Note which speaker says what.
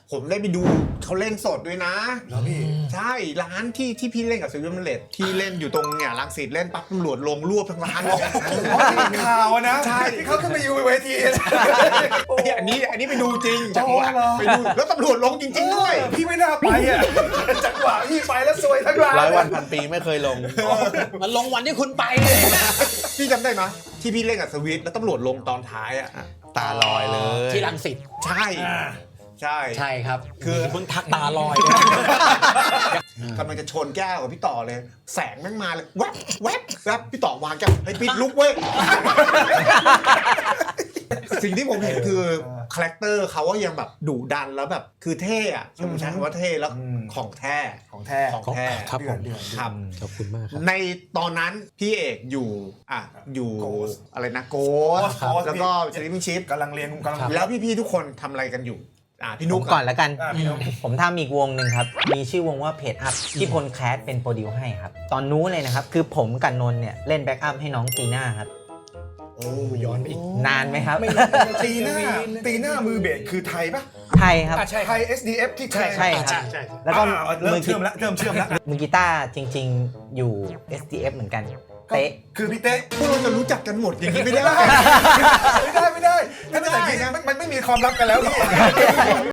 Speaker 1: ผมได้ไปดูเขาเล่นสดด้วยนะ
Speaker 2: แล้วพี่
Speaker 1: ใช่ร้านที่พี่เล่นกับซิลเวอร์แมนเลดที่เล่นอยู่ตรงเนี่ยรังสิตเล่นปั๊บตำรวจลงรวบทั้งร้านเลย
Speaker 2: อ๋อที่เป็นข่าวนะ
Speaker 1: ใช่
Speaker 2: ที่เขาขึ้นไปอยู่เวที
Speaker 1: อันนี้ไปดูจริงจังหวะ
Speaker 2: เหรอ
Speaker 1: ไปดูแล้วตำรวจลงจริง ๆด้วย
Speaker 2: พี่ไม่น่าไปอ่ะจังหวะพี่ไปแล้วซวยทั้งร้าน
Speaker 3: 100 วันพันปีไม่เคยลง
Speaker 4: มันลงวันที่คุณไปเลย
Speaker 1: พี่จำได้ไหมที่พี่เล่นกับสวิตแล้วตำรวจลงตอนท้ายอ่ะ
Speaker 3: ตาลอยเลย
Speaker 4: ที่รังสิต
Speaker 1: ใช่ใช่
Speaker 4: ใช่ครับ
Speaker 1: คือ
Speaker 4: เพิ่งทักตาลอย
Speaker 1: กำลังจะชนแก้วกับพี่ต่อเลย แสงแม่งมาเลยแวบแวบแวบพี่ต่อวางแก้วให้ปิดลุกเว้ย สิ่งที่ผมเห็นคือคาแรคเตอร์เขาว่ายังแบบดุดันแล้วแบบคือเท่อะผมใช้คำว่าเท่แล้วของแท้
Speaker 2: ของแท้
Speaker 1: ของแท้
Speaker 4: ครับผม
Speaker 2: เดือด
Speaker 1: ครับ
Speaker 4: ขอบคุณมากครับ
Speaker 1: ในตอนนั้นพี่เอกอยู่อยู่
Speaker 2: Ghost
Speaker 1: อะไรนะโกส
Speaker 2: Ghost
Speaker 1: แล้วก็สลิปชิป
Speaker 2: กำลังเรียนกำลัง
Speaker 1: แล้วพี่ๆทุกคนทำอะไรกันอยู่พี่
Speaker 5: ผ
Speaker 1: นุ๊
Speaker 5: ม
Speaker 1: ก
Speaker 5: ก่อนแล้วกัน
Speaker 2: พี่น้อง
Speaker 5: ผมทำอีกวงหนึ่งครับ มีชื่อวงว่าเพจอัพที่พลแคสเป็นโปรดิวให้ครับ ตอนนู้นเลยนะครับ คือผมกับนนท์เนี่ยเล่นแบ็กอัพให้น้องตีน่าครับ
Speaker 1: โอ้ย้อนไปอีก
Speaker 5: นานไหมครับ
Speaker 2: ตีหน้ามือเบสคือไทยปะ
Speaker 5: ไทยครับ
Speaker 2: ไทย SDF ที่
Speaker 5: ใช่ครับ แล้วก็
Speaker 2: เริ่มเชื่อมแล้วเริ่มเชื่อมแล้ว
Speaker 5: มือกีตาร์จริง ๆ อยู่ SDF เหมือนกัน เตะ
Speaker 2: คือพี่เต้
Speaker 1: พวกเราจะรู้จักกันหมดอย่างนี้ไม่ได้
Speaker 2: ไม่ได้ถ้าเป็นอย่างนี้มันไม่มีความลับกันแล้วพี่